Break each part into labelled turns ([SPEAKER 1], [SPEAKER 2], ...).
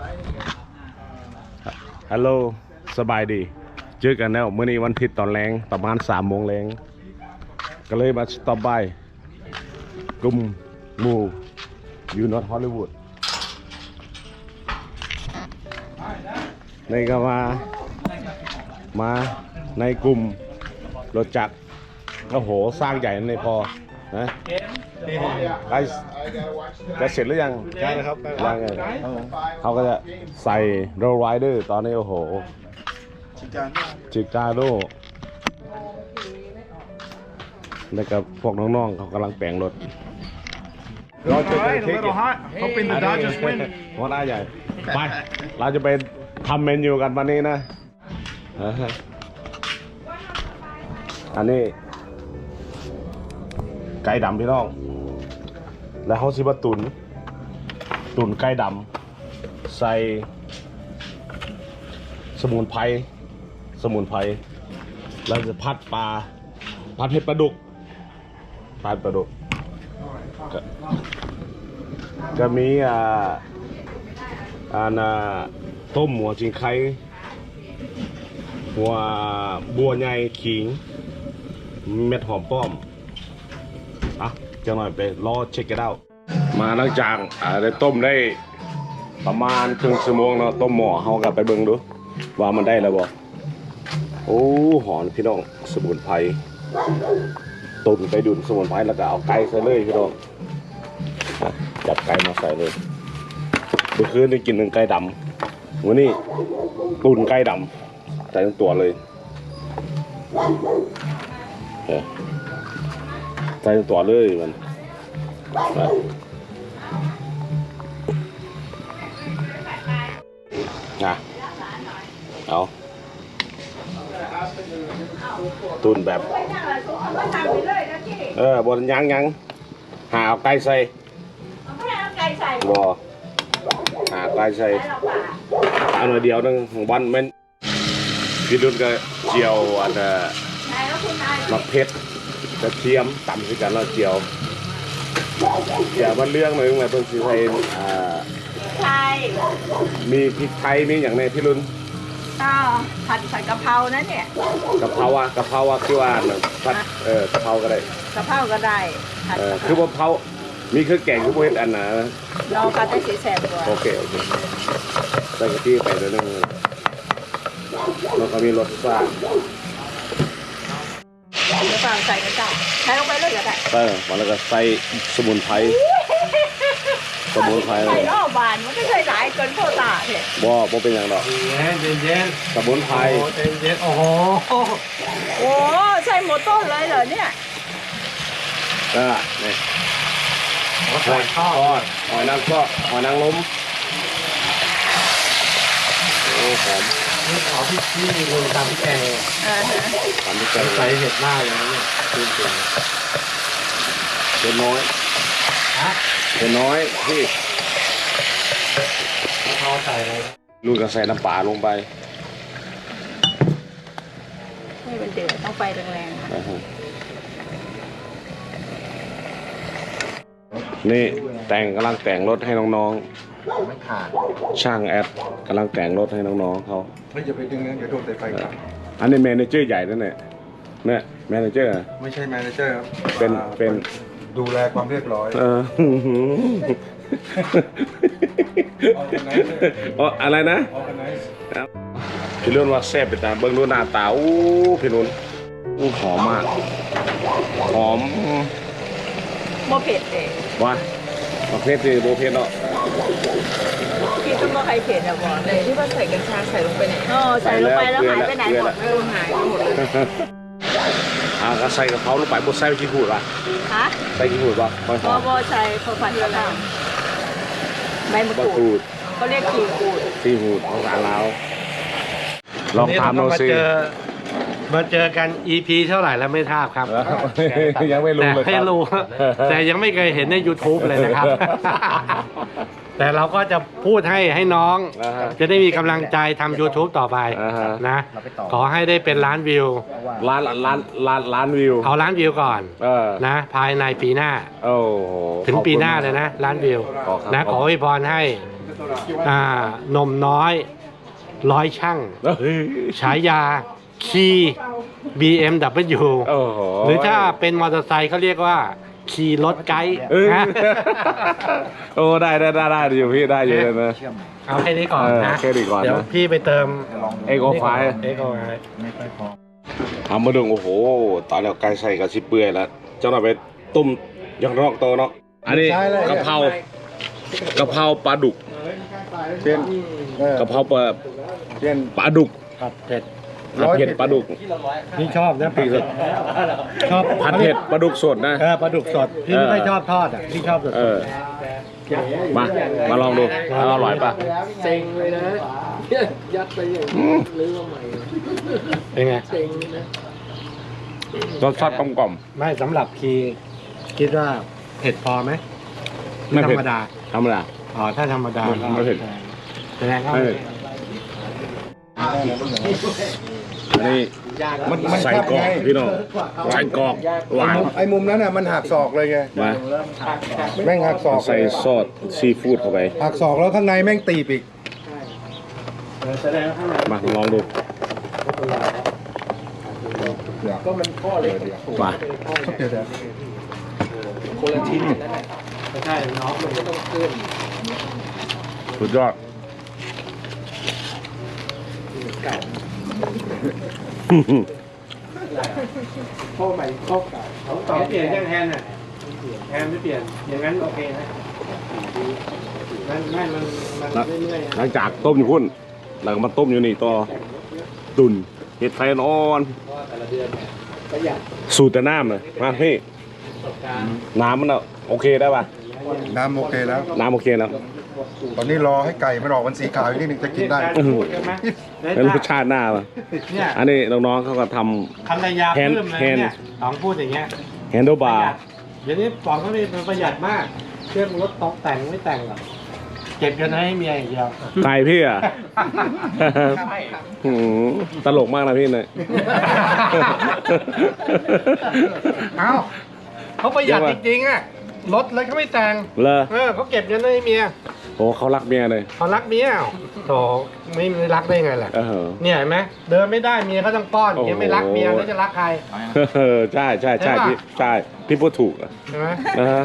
[SPEAKER 1] ฮัลโหลสบายดีเจอกันแล้วเมื่อนี้วันอาทิตย์ตอนแรงประมาณ3 โมงแรงก็เลยมาสต็อปบายกลุ่มหมู่ยูนอตฮอลลีวูดในก็มาในกลุ่มรถจักรโอ้โหสร้างใหญ่ในพอนะใกล้เสร็จหรือยังใช่ครับยังไงเขาก็จะใส่โรลไรเดอร์ตอนนี้โอ้โหชิกาโดแล้วก็พวกน้องๆเขากำลังแปลงรถเราจะไปเทคHoping the Dodgers win หัวหน้าใหญ่ไปเราจะไปทำเมนูกันวันนี้นะอันนี้ไก่ดำพี่น้องแล้วเขาสิบตุนไก่ดำใส่สมุนไพรแล้วจะผัดเผ็ดปลาดุกก็มีต้มหัวจิงไข่หัวบัวใหญ่ขิงเม็ดหอมป้อมจะหน่อยไปรอเช็คกันเอามาหลังจากได้ต้มได้ประมาณครึ่งชั่วโมงเนาะต้มหม้อเฮากลับไปเบิ่งดูว่ามันได้แล้วบ่โอ้หอมพี่น้องสมุนไพรตุนไปดุนสมุนไพรแล้วก็เอาไก่ใส่เลยพี่น้องจับไก่มาใส่เลยเมื่อคืนได้กินไก่ดำวันนี้ตุนไก่ดำใส่ทั้งตัวเลยใส่ทั้งตัวเลยมันเอาตุนแบบบนยังหาเอาไก่ใส่บ่หาไก่ใส่เอาหน่อยเดียวนึงวันมันพี่ดุนก็เจียวมะเพ็ดกระเทียมตำด้วยกันแล้วเจียวมันเรื่องหนึ่งเลยเพิ่งซื้อไทยมีพริกไทยมีอย่างในพี่รุน
[SPEAKER 2] ก็ผัดใส่กะเพรานะเนี่ย
[SPEAKER 1] กะเพราคือว่าผัดกะเพราก็ได้คือว่าเผามีเครื่องแกงคือพวกอันนะ
[SPEAKER 2] เราผัดได้สีแสบกว่า
[SPEAKER 1] โอเคใส่กะทิไปเลยนึงแล้วก็มีรสชาติ
[SPEAKER 2] แล้วก็ใส่กระเจ้าใส่ลงไปเลยก็ได้
[SPEAKER 1] แล้วก็ใส่สมุนไพร
[SPEAKER 2] ใส่รอบบานมันก็ใส่หลายเกินโคตรเนี่ย
[SPEAKER 1] บ่เป็นอย่างดอก
[SPEAKER 3] เย็น
[SPEAKER 1] สมุนไพร
[SPEAKER 3] เย็นโอ้โห
[SPEAKER 2] ใส่หมดต้นเลยเหรอเนี่ย
[SPEAKER 1] นี่หอยทอดหอยนางรมโอ้หอม
[SPEAKER 3] นี่ขอพี่ลงตามพี่แกง
[SPEAKER 1] ตามพี่แกง
[SPEAKER 3] ใส่เห็ดหน้าอย่างนี้จริง
[SPEAKER 1] เห็ดน้อยพี่
[SPEAKER 3] เขาใส่อะไร
[SPEAKER 1] ลูกก็ใส่น้ำปลาลงไป
[SPEAKER 2] ให้มันเดือดต้องไฟแรง
[SPEAKER 1] นี่กำลังแต่งรถให้น้องๆช่างแอดกำลังแต่งรถให้น้องๆเขา
[SPEAKER 3] ไม่จะไปดึงนะเดี๋ยวโดนสายไฟครับ
[SPEAKER 1] อันนี้แมเนเจอร์ใหญ่นั่นแหละเนี่ยแมเนเจอร์
[SPEAKER 3] ไม่ใช่แมเนเจอร์ครับ
[SPEAKER 1] เป็น
[SPEAKER 3] ดูแลความเรียบร้อย
[SPEAKER 1] อะไรนะพี่รุ่นว่าแซ่บไปตาเบิ้งดูหน้าตาพี่รุ่นหอมมากหอม
[SPEAKER 2] โมเผ็ดเลย
[SPEAKER 1] ว่าเผ็ดสิโมเผ็ดเนาะ
[SPEAKER 2] พี่ต้องว่าใครเผ็ดอะบอกเลยที่ว่าใส่กัญชาใส่ลงไปไหนใส่ลงไปแล้วหายไปไหนหมดหายไปหมดเลย
[SPEAKER 1] ก็ใส่กะเพราลงไปบดใส่ขี้หูดป่ะใส่ขี้หูดป่ะ
[SPEAKER 2] บ่ใส่พอผัดแล้วใบมะกรูดเขาเรียก
[SPEAKER 1] ขี้หูดของร้านเราลองทำดูสิ
[SPEAKER 3] มาเจอกัน EP เท่าไหร่แล้วไม่ทราบครับ
[SPEAKER 1] ยังไม่รู้เลย
[SPEAKER 3] ให้รู้แต่ยังไม่เคยเห็นใน YouTube เลยนะครับแต่เราก็จะพูดให้น้องจะได้มีกำลังใจทำ YouTube ต่อไปนะขอให้ได้เป็นล้านวิว
[SPEAKER 1] ล้านวิว
[SPEAKER 3] เอาล้านวิวก่อนนะภายในปีหน้าถึงปีหน้าเลยนะล้านวิวนะขออวยพรให้นมน้อยร้อยช่าง
[SPEAKER 1] เฮ้ย
[SPEAKER 3] ฉายาคีBMW
[SPEAKER 1] โอ้โห
[SPEAKER 3] หรือถ้าเป็นมอเตอร์ไซค์เขาเรียกว่าขี่รถไกด์
[SPEAKER 1] เอ้ย
[SPEAKER 3] นะ
[SPEAKER 1] โอ้ได้อยู่พี่ได้อยู่เลยนะ
[SPEAKER 3] เอาแค่นี้ก่อนนะ
[SPEAKER 1] แค่นี้ก่อนนะ
[SPEAKER 3] เดี๋ยวพี่ไปเติม
[SPEAKER 1] เอ็กโอไฟ
[SPEAKER 3] เอ็กโอไฟ
[SPEAKER 1] ทำมาดึงโอ้โหตอนแล้วไก่ใส่กับชิเปื่อยแล้วเจ้าหน่อยไปต้มยังรอกโตเนาะอันนี้กะเพรปลาดุก
[SPEAKER 4] เป็น
[SPEAKER 1] กะเพราปลา
[SPEAKER 4] เป็น
[SPEAKER 1] ปลาดุก
[SPEAKER 3] ผัดเผ็ด
[SPEAKER 1] ผัดเผ็ดปลาดุก
[SPEAKER 3] พี่ชอบนะผัดเผ็ดชอบ
[SPEAKER 1] ผัดเผ็ดปลาดุกสดนะ
[SPEAKER 3] ปลาดุกสดพี่ไม่ค่อยชอบทอดอ่ะพี่ชอบสด
[SPEAKER 1] มาลองดูอร่อยป่ะ
[SPEAKER 5] เซ็งเลยนะยัดไปอย่างนี้ลื้อมาใหม่
[SPEAKER 3] เป็นไง
[SPEAKER 5] เซ็งนะ
[SPEAKER 1] รสชาติกลม
[SPEAKER 3] ไม่สำหรับคีคิดว่าเผ็ดพอไหม
[SPEAKER 1] ไม่
[SPEAKER 3] ธร
[SPEAKER 1] เผ็ด
[SPEAKER 3] รมดา
[SPEAKER 1] ธรรมดา
[SPEAKER 3] อ๋อถ้าธรรมดา
[SPEAKER 1] ไม่เผ็ด
[SPEAKER 3] แสดงว่า
[SPEAKER 1] ไม่เผ็ดอันนี้
[SPEAKER 4] มัน
[SPEAKER 1] ใส่
[SPEAKER 4] แคบ
[SPEAKER 1] กรอ
[SPEAKER 4] ไง
[SPEAKER 1] กพี่น้องใส่กรอกหวาน
[SPEAKER 4] ไอ้มุมนั้นน่ะมันหักศอกเลยไง
[SPEAKER 1] มา
[SPEAKER 4] แม่งหักศอก
[SPEAKER 1] ใส่ซอสซีฟู้ดเข้าไป
[SPEAKER 4] หักศอกแล้วข้างในแม่งตีบอีก
[SPEAKER 1] มาลองดู
[SPEAKER 5] ก็มันข้อเล็ก
[SPEAKER 1] มา
[SPEAKER 4] เดี๋ยว
[SPEAKER 5] คนละชิ้นนั่นแหละ
[SPEAKER 3] ไม่ใช่น้อง
[SPEAKER 5] มันก็ต้องขึ้น
[SPEAKER 1] สุดยอด
[SPEAKER 5] เก่าข้อใหม่ข้อเก่า
[SPEAKER 3] ต่อเปลี่ยนยังแฮนด์อ่ะแฮนด์ไม่เปลี่ยนอย่างนั้นโอเคนะมันเรื่อยๆ
[SPEAKER 1] หลังจากต้มอยู่พุ่นหลังมาต้มอยู่นี่ต่อตุนเห็ดไฟนอน
[SPEAKER 5] ประหยัด
[SPEAKER 1] สูตรแต่น้ำเลยมาพี่น้ำมันอะโอเคได้ป่ะ
[SPEAKER 4] น้ำโอเคแล้ว
[SPEAKER 1] น้ำโอเคแล้ว
[SPEAKER 4] ตอนนี้รอให้ไก่มันออกมันสีขาวอีกนิดนึงจะกินได้
[SPEAKER 1] อื้อหือ
[SPEAKER 3] ใช่ไหม
[SPEAKER 1] แล้วรสชาติหน้าป่ะ
[SPEAKER 3] เนี่ย
[SPEAKER 1] อันนี้น้องๆเขาก็ท
[SPEAKER 3] คันระยะ
[SPEAKER 1] แฮนด์
[SPEAKER 3] เพิ่มเลย
[SPEAKER 1] แฮนด์
[SPEAKER 3] เนี่ยสองพูดอย่างเงี้ย
[SPEAKER 1] ำแฮนด์บาร์
[SPEAKER 3] เดี๋ยวนี้ปองเขาเป็นประหยัดมากเครื่องรถตกแต่งไม่แต่งหรอกเก็บกันให้เมียอย่างเดียว
[SPEAKER 1] ไก่พี่อ่ะหือตลกมากนะพี่เนี่ย
[SPEAKER 3] เอ้าเขาประหยัดจริงๆอ่ะรถเลยเขาไม่แต่ง
[SPEAKER 1] เลอ
[SPEAKER 3] เขาเก็บเงินให้เมีย
[SPEAKER 1] โอ้เขารักเมียเลย
[SPEAKER 3] เขารักเมียโถไม่รักได้ไงล่ะ
[SPEAKER 1] เออ
[SPEAKER 3] เนี่ยเห็นไหมเดินไม่ได้เมียเขาต้องป้อน
[SPEAKER 1] โอ้โห
[SPEAKER 3] เมียไม่รักเมียแล้วจะรักใคร
[SPEAKER 1] ใช่ใช่ใช่
[SPEAKER 3] ใช่ปะ
[SPEAKER 1] พี่ใช่พี่พูดถูกอะ
[SPEAKER 3] ใช่ไหม
[SPEAKER 1] นะฮะ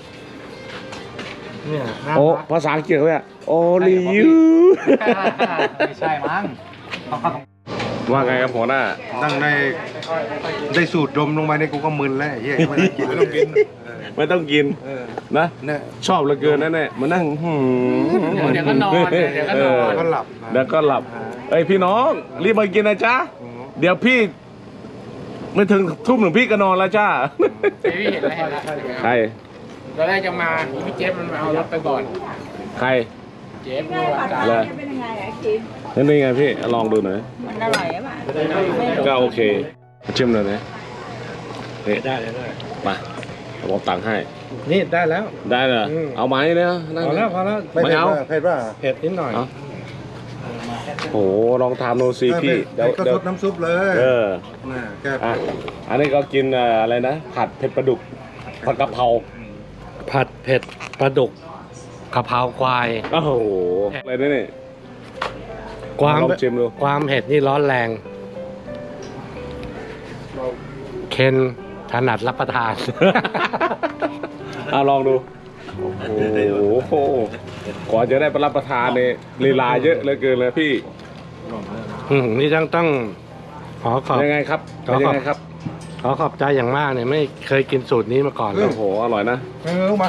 [SPEAKER 3] เนี่ยน่า
[SPEAKER 1] โอ้
[SPEAKER 3] รัก
[SPEAKER 1] ภาษาอังกฤษเขาเนี่ยโอลิยู
[SPEAKER 3] ไม่ใช่มั้ง
[SPEAKER 1] ว่าไงครับหัวหน้า
[SPEAKER 4] นั่งได้สูตรดมลงไปในกูก็มึนแล้วไอ้เฮียไม่ได้กินไม่ต้องกิน
[SPEAKER 1] ไม่ต้องกินนะ
[SPEAKER 4] เนี่ย
[SPEAKER 1] ชอบเหลือเกินนั่นแหละมานั่ง
[SPEAKER 5] เดี๋ยวก็นอนเดี๋ยวก็นอน
[SPEAKER 4] ก็หลับ
[SPEAKER 1] แล้วก็หลับเอ้ยพี่น้องรีบมากินนะจ๊ะเดี๋ยวพี่ ไม่ถึงทุ่มหนึ่งพี่ก็นอนแล้วจ้า
[SPEAKER 5] พี่เห็นแล้ว
[SPEAKER 1] ใคร
[SPEAKER 5] ตอนแรกจะมาพี่เจฟมันมาเอารถไปก่อน
[SPEAKER 1] ใคร
[SPEAKER 5] เจฟนี่ว่าการ
[SPEAKER 1] เลย
[SPEAKER 2] เป็นยังไงอะคิม
[SPEAKER 1] นี่ไงพี่ลองดูหน่อย
[SPEAKER 2] มันอร่อยไหม
[SPEAKER 1] ก็โอเคชิมเลยนะนี่
[SPEAKER 3] ได้
[SPEAKER 1] มาผมตังค์ให้
[SPEAKER 3] นี่ได้แล้ว
[SPEAKER 1] ได้เหรอ
[SPEAKER 3] อืม
[SPEAKER 1] เอาไหมเนี่ยนั่ง
[SPEAKER 3] พอแล้วพอแล้ว
[SPEAKER 4] ไม่
[SPEAKER 1] ไม่
[SPEAKER 4] เผ็ด
[SPEAKER 1] เอา
[SPEAKER 4] ป่ะเผ็ดป่ะ
[SPEAKER 3] เผ็ดนิดหน่อย
[SPEAKER 1] เอาโอ้โหลองทำโนซีพี่
[SPEAKER 4] เผ็ดก็ซดน้ำซุปเลย
[SPEAKER 1] เออ
[SPEAKER 4] น่ะแก
[SPEAKER 1] อ่ะอันนี้ก็กินอะไรนะผัดเผ็ดปลาดุกผัดกะเพรา
[SPEAKER 3] ผัดเผ็ดปลาดุกกะเพราควาย
[SPEAKER 1] โอ้โหอะไรเนี่ยนี่
[SPEAKER 3] ความ
[SPEAKER 1] ลองชิมดู
[SPEAKER 3] ความเผ็ดนี่ร้อนแรง เคนถนัดรับประทาน
[SPEAKER 1] ลองดูโอ้โหก่อนจะได้ไปรับประทานเนี่ยลีลาเยอะเหลือเกินเลยพี่
[SPEAKER 3] นี่ต้องขอขอบ
[SPEAKER 1] ยังไงครับ
[SPEAKER 3] ขอขอบ
[SPEAKER 1] ยังไงครับ
[SPEAKER 3] ขอขอบใจอย่างมากเนี่ยไม่เคยกินสูตรนี้มาก่อนเลย
[SPEAKER 1] โอ้โหอร่อยนะ
[SPEAKER 4] ลูกมา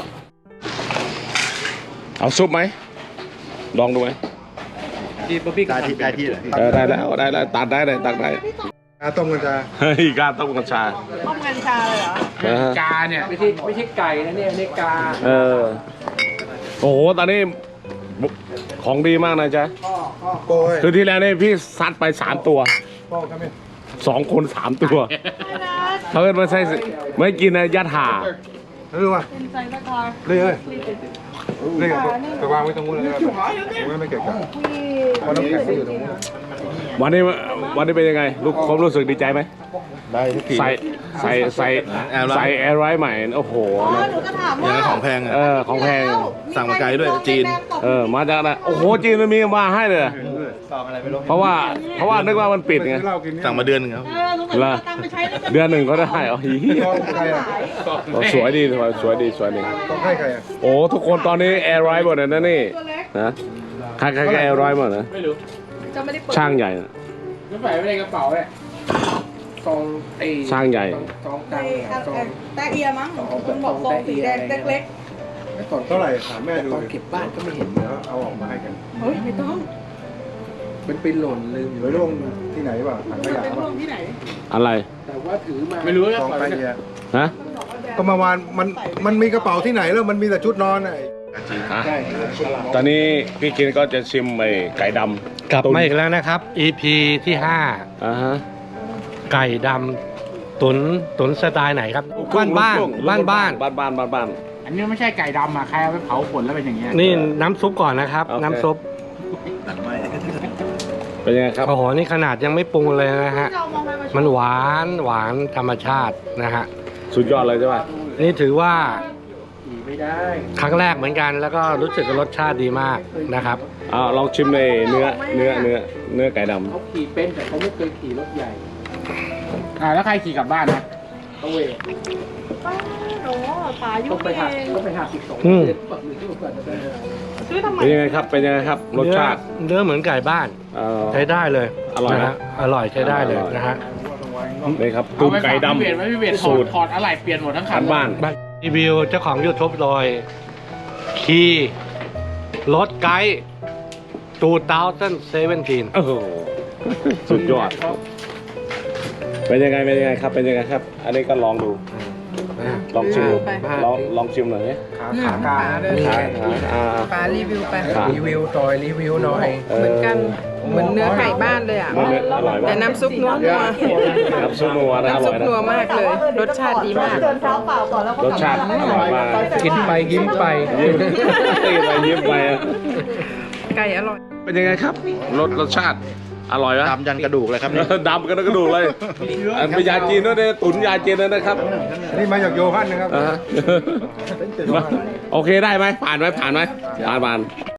[SPEAKER 1] เอาซุปไหมลองดูไหม
[SPEAKER 5] ที่ป๊อปปี้
[SPEAKER 4] ได้ที่เลย
[SPEAKER 1] ได้แล้วได้ตัดได้เลยตัดได้
[SPEAKER 4] ต้มกันจ้า
[SPEAKER 1] เฮ้ยกล้าต้มกัญชา
[SPEAKER 2] ต้มกัญชาเลยเหรอ
[SPEAKER 5] กาเนี่ยไม่ใช่ไก่นะเนี่ยนี่กา
[SPEAKER 1] เออโอ้โหตอนนี้ของดีมากนะจ๊ะ
[SPEAKER 4] โก้ย
[SPEAKER 1] คือที่แล้วนี่พี่ซัดไป3 ตัว
[SPEAKER 4] โก้ครับพี่
[SPEAKER 1] 2 คน 3 ตัวเขาเอิ้นมาใส่ไม่กินนะยัดห่า
[SPEAKER 4] รู้ป่ะ
[SPEAKER 2] เป็นไซน์คอร์
[SPEAKER 4] เรื่อยเรื่อยไปวางไว้ตรงนู้นเลยไม่เกิดกันเพราะน้ำแข็งก็อยู่ตรงนู้น
[SPEAKER 1] วันนี้เป็นยังไงลูกความรู้สึกดีใจไหม
[SPEAKER 4] ได้ทุกที
[SPEAKER 1] ใส่ใส่แอร์ไรใหม่โอ้โห
[SPEAKER 6] หนูจะถามว่า
[SPEAKER 4] ของแพงอ่ะ
[SPEAKER 1] ของแพง
[SPEAKER 4] สั่งมาไกลด้วยจีน
[SPEAKER 1] มาจากไหนโอ้โหจีนมันมีมาให้เลยเพราะว่านึกว่ามันปิดไง
[SPEAKER 4] สั่งมาเดือนนึงครับ
[SPEAKER 6] หนูก็เอาตังค์ไปใช้แล้ว
[SPEAKER 1] เดือนหนึ่งก็ได้อ๋อสวยดีสวยดี
[SPEAKER 4] ต้องให้ใครอ่ะ
[SPEAKER 1] โอ้ทุกคนตอนนี้แอร์ไรหมดเลยนะนี่นะใครก็แอร์ไรหมดนะ
[SPEAKER 5] ไม่รู้
[SPEAKER 6] จะไม่ได้เปิด
[SPEAKER 1] ช่างใหญ่นะ
[SPEAKER 5] แล้วใส่ไว้ในกระเป๋าเนี่ยซองไอ้
[SPEAKER 1] ช่างใหญ่
[SPEAKER 5] ซอง
[SPEAKER 6] ใส่
[SPEAKER 5] ตังค์ซอง
[SPEAKER 6] แตะเอียมั้งคุณบอกซองสีแดงเล็ก
[SPEAKER 4] ไม่ตอนเท่าไหร่ถามแม่ดู
[SPEAKER 5] ตอนเก็บบ้านก็ไม่เห็น
[SPEAKER 4] เดี๋ยวเอาออกมาให้กัน
[SPEAKER 6] ๆเฮ้ยไม่ต้อง
[SPEAKER 5] มันเป็นหล่นลืม
[SPEAKER 4] อยู่ไว้ลงที่ไหนวะถังขยะ
[SPEAKER 6] เป็น
[SPEAKER 4] วะ
[SPEAKER 6] ห้องที่ไหน
[SPEAKER 1] อะไร
[SPEAKER 5] แต่ว่าถือมาไม่รู้แล้ว
[SPEAKER 4] ซอง
[SPEAKER 5] ปล่อย
[SPEAKER 4] ไป
[SPEAKER 5] ไว้
[SPEAKER 4] เนี่ย
[SPEAKER 1] ฮะ
[SPEAKER 4] ก็เมาวานมันมีกระเป๋าที่ไหนแล้วมันมีแต่ชุดนอนอ่ะ
[SPEAKER 5] ใช่
[SPEAKER 1] ตอนนี้พี่กินก็จะชิมไอ้ไก่ดำ
[SPEAKER 3] กลับ
[SPEAKER 1] ตุ๋น
[SPEAKER 3] มาอีกแล้วนะครับ EP ที่
[SPEAKER 1] อ่าฮะ
[SPEAKER 3] 5 ไก่ดำตุนสไตล์ไหนครับ บ้าน
[SPEAKER 5] อันนี้ไม่ใช่ไก่ดำอ่ะใครเอาไปเผาผลแล้วเป็นอย่างเงี้ย
[SPEAKER 3] นี่น้ำซุปก่อนนะครับ
[SPEAKER 1] โอเค
[SPEAKER 3] น้ำซุป
[SPEAKER 1] เป็นยังไงครับ
[SPEAKER 3] โอ้โหนี่ขนาดยังไม่ปรุงเลยนะฮะ
[SPEAKER 6] เรามองไปมา
[SPEAKER 3] มันหวานธรรมชาตินะฮะ
[SPEAKER 1] สุดยอดเลยใช่ไหม
[SPEAKER 3] นี่ถือว่า
[SPEAKER 5] ขี่ไม่ได้
[SPEAKER 3] ครั้งแรกเหมือนกัน แล้วก็รู้สึกว่ารสชาติดีมากนะครับ
[SPEAKER 1] ลองชิมในเนื้อไก่ดำ
[SPEAKER 5] เขาขี่เป็นแต่เขาไม่เคยขี่รถใหญ่แล้วใครขี่กลับบ้านนะเขาเว
[SPEAKER 6] ป้าโอ้ตายุ่
[SPEAKER 5] ต้อง งไปหัก
[SPEAKER 6] เอง
[SPEAKER 5] ต้องไปหัก12
[SPEAKER 3] อืม
[SPEAKER 5] เดือนปักหรือที่ก่อนจะได้
[SPEAKER 6] ซื้อทำไม
[SPEAKER 1] เป็นยังไงครับ รสชาติ
[SPEAKER 3] เนื้อเหมือนไก่บ้าน ใช้ได้เลย
[SPEAKER 1] อร่อยนะ
[SPEAKER 3] นะฮะอร่อยใช้ได้เลยนะฮะ
[SPEAKER 1] นี่ครับตุ๋นไก่ดำ
[SPEAKER 5] พี่เวท
[SPEAKER 1] สูตร
[SPEAKER 5] ถอดอะไรเปลี่ยนหมดทั้งคั
[SPEAKER 1] ขั
[SPEAKER 5] น
[SPEAKER 1] นบ้าน
[SPEAKER 3] รีวิวเจ้าของ YouTube โดยคีรถไกด์2017
[SPEAKER 1] โอ้โหสุดยอด เป็นยังไงครับ อันนี้ก็ลองดู ลองชิมดูลองชิมหน่อยนี่
[SPEAKER 5] ขากลาง
[SPEAKER 2] ปลารีวิวไป
[SPEAKER 5] รีวิวหน่อยรีวิวหน่อย
[SPEAKER 2] เหมือนกันเหมือนเนื้อไก่บ้านเลยอ่ะ
[SPEAKER 1] อร่อย
[SPEAKER 2] แต่
[SPEAKER 1] มาก
[SPEAKER 2] น้ำซุปนัว
[SPEAKER 1] น้ำซุปนัวนะอร่
[SPEAKER 2] น้ำซุ
[SPEAKER 1] อ
[SPEAKER 2] ป
[SPEAKER 1] ยนะ
[SPEAKER 2] นัวมากเลย รสชาติดีมาก
[SPEAKER 6] เดินเท้าเปล่าก่อนแล้วก็
[SPEAKER 1] รสชาติอร่อยมาก
[SPEAKER 5] กินไปยิ้มไป
[SPEAKER 1] ยิ้มไปอะ
[SPEAKER 2] ไก่อร่อย
[SPEAKER 1] เป็นยังไงครับ รสชาติ อร่อยไหม
[SPEAKER 4] ดำยันกระดูกเลยครับนี่
[SPEAKER 1] ดำกันกระดูกเลยอันเป็นยาจีนด้วยเนี่ยตุ๋นยาจีนเลยนะครับ
[SPEAKER 4] นี่มาจากโยฮันนะครับ
[SPEAKER 1] โอเคได้ไหมผ่านไหมผ่าน